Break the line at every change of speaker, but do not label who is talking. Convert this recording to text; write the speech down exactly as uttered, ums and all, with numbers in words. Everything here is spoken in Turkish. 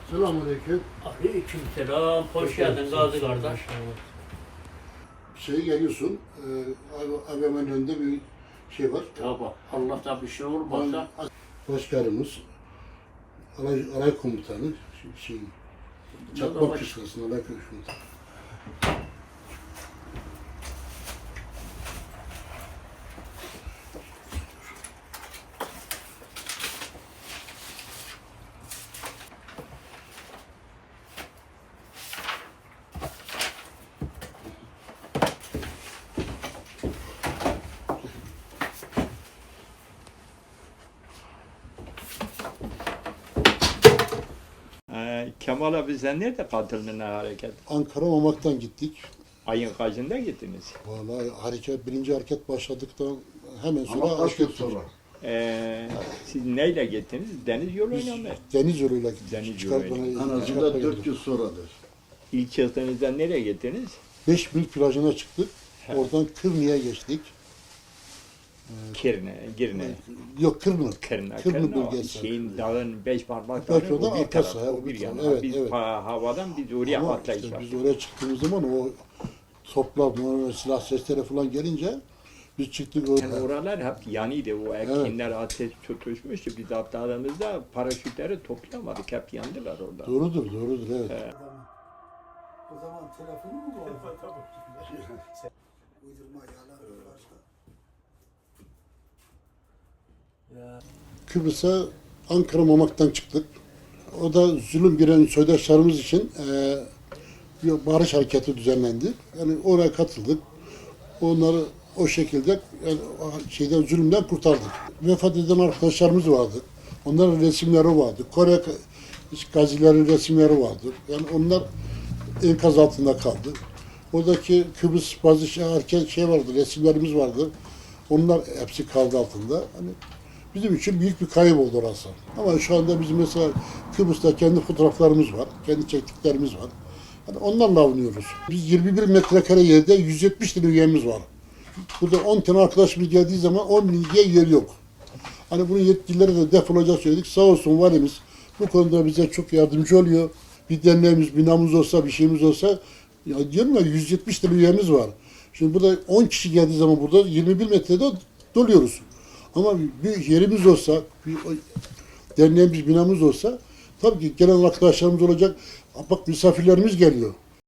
Selamünaleyküm.
Aleykümselam. Hoş geldin Gazi kardeş.
Şey geliyorsun, e, A V M'nin önünde bir şey var.
Tabi. Allah'tan bir şey olmazsa.
Başkanımız, alay, alay komutanı, şey, Çakmak Kışlası'nın alay komutanı.
Ee, Kemal abi sen nerede katıldın hareket?
Ankara Mamak'tan gittik.
Ayın kaçında gittiniz?
Vallahi hareket, birinci hareket başladıktan hemen sonra
Ama kaç
hareket
yıl
ettik.
sonra?
Ee, siz neyle gittiniz? Deniz yoluyla mı?
Deniz yoluyla gittik.
Deniz
Çıkar
yoluyla.
bana-
En
çıkartma
azından dört
geldik.
yıl sonradır.
İlk çıktığınızda nereye gittiniz?
Beş mil plajına çıktık.
He.
Oradan Kırnı'ya geçtik.
Kirne, Girne.
Yok Kırnı.
Kırna,
Kırnı
Kırna, o
bölgesi.
şeyin dağın beş parmak
Beş
dağı,
parmak
o bir
arkası,
taraf,
ha,
o bir yana.
evet,
biz
evet.
ha- havadan biz oraya
Ama
atlayış
işte biz
yaptık.
oraya çıktığımız zaman o toplar, normal silah sesleri falan gelince biz çıktık
Yani
oraya.
oralar hep yanıydı, o ekinler ateş tutuşmuştu. Biz atladığımızda paraşütleri toplayamadık, hep yandılar orada.
Doğrudur, doğrudur, evet.
He.
O zaman telefonu mu bu? Tabii. Uydurma yalan başka. Ya.
Kıbrıs'a Ankara Mamak'tan çıktık. O da zulüm giren soydaşlarımız için eee bir barış hareketi düzenlendi. Yani oraya katıldık. Onları o şekilde yani o şeyden zulümden kurtardık. Vefat eden arkadaşlarımız vardı. Onların resimleri vardı. Kore gazilerin resimleri vardı. Yani onlar enkaz altında kaldı. Oradaki Kıbrıs bazı şey, erken şey vardı, resimlerimiz vardı. Onlar hepsi kaldı altında. Hani bizim için büyük bir kayıp oldu orası. Ama şu anda bizim mesela Kıbrıs'ta kendi fotoğraflarımız var, kendi çektiklerimiz var. Yani onlarla avunuyoruz. Biz yirmi bir metrekare yerde yüz yetmiş tane üyemiz var. Burada on tane arkadaşımız geldiği zaman on bin üye yer yok. Hani bunun yetkililere de defolacak söyledik. Sağ olsun valimiz bu konuda bize çok yardımcı oluyor. Bir derneğimiz, binamız olsa, bir şeyimiz olsa, ya diyorum ya yüz yetmiş tane üyemiz var. Şimdi burada on kişi geldiği zaman burada yirmi bir metrede doluyoruz. Ama bir yerimiz olsa, bir derneğimiz, binamız olsa tabii ki gelen arkadaşlarımız olacak. Bak misafirlerimiz geliyor.